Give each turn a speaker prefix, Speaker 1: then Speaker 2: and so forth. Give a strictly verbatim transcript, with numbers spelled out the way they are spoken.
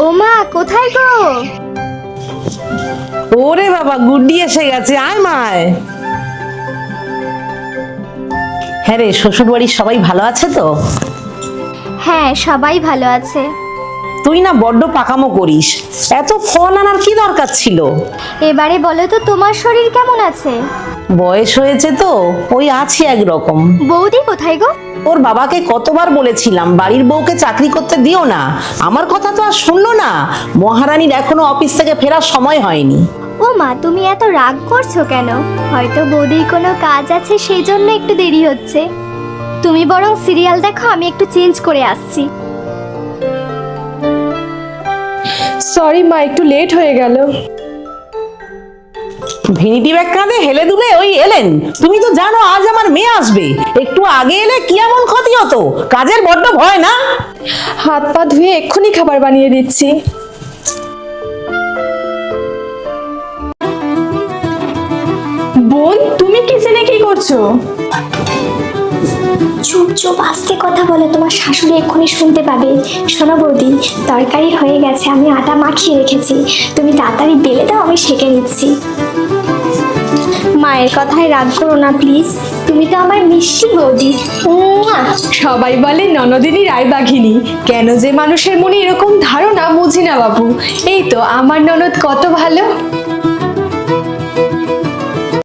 Speaker 1: ও মা, কোথায় গো?
Speaker 2: ওরে বাবা, গুড্ডি এসে গেছে, আয় মায়। হ্যাঁ রে, শ্বশুর বাড়ির সবাই ভালো আছে তো?
Speaker 1: হ্যাঁ, সবাই ভালো আছে।
Speaker 2: তুই না বড্ড পাকামো করিস, এত ফোন আনার কি দরকার ছিল?
Speaker 1: এবারে বলো তো, তোমার শরীর কেমন আছে?
Speaker 2: বয়স হয়েছে তো, ওই আছি একরকম।
Speaker 1: বৌদি কোথায় গো?
Speaker 2: ওর বাবাকে কতবার বলেছিলাম বাড়ির বউকে চাকরি করতে দিও না, আমার কথা তো আর শুনলো না। মহারানীর এখনো অফিস থেকে ফেরার সময় হয়নি।
Speaker 1: ও মা, তুমি এত রাগ করছো কেন? হয়তো বৌদির কোনো কাজ আছে, সেই জন্য একটু দেরি হচ্ছে। তুমি বরং সিরিয়াল দেখো, আমি একটু চেঞ্জ করে আসছি।
Speaker 3: সরি মা, একটু লেট হয়ে গেল।
Speaker 2: ভিনিটি ব্যাগ কাঁধে হেলে দুলে ওই এলেন। তুমি তো জানো আজ আমার মেয়ে আসবে, একটু আগে এলে কি এমন ক্ষতি হতো? কাজের বড্ড ভয় না?
Speaker 3: হাত পা ধুয়ে এক্ষুনি খাবার বানিয়ে দিচ্ছি। বোন, তুমি কিচেনে কি করছো?
Speaker 1: চুপ চুপ, আস্তে কথা বলো, তোমার শাশুড়ি এক্ষুনি শুনতে পাবে। শোনো বৌদি, তরকারি হয়ে গেছে, আমি আটা মাখিয়ে রেখেছি, তুমি তাড়াতাড়ি বেলে দাও, আমি সেঁকে নিচ্ছি। মায়ের কথায় রাগ করো না প্লিজ, তুমি তো আমার মিষ্টি বৌদি। মুয়া।
Speaker 3: সবাই বলে ননদিনী রায়বাঘিনী, কেন যে মানুষের মনে এরকম ধারণা বুঝি না বাবু। এই তো আমার ননদ কত ভালো।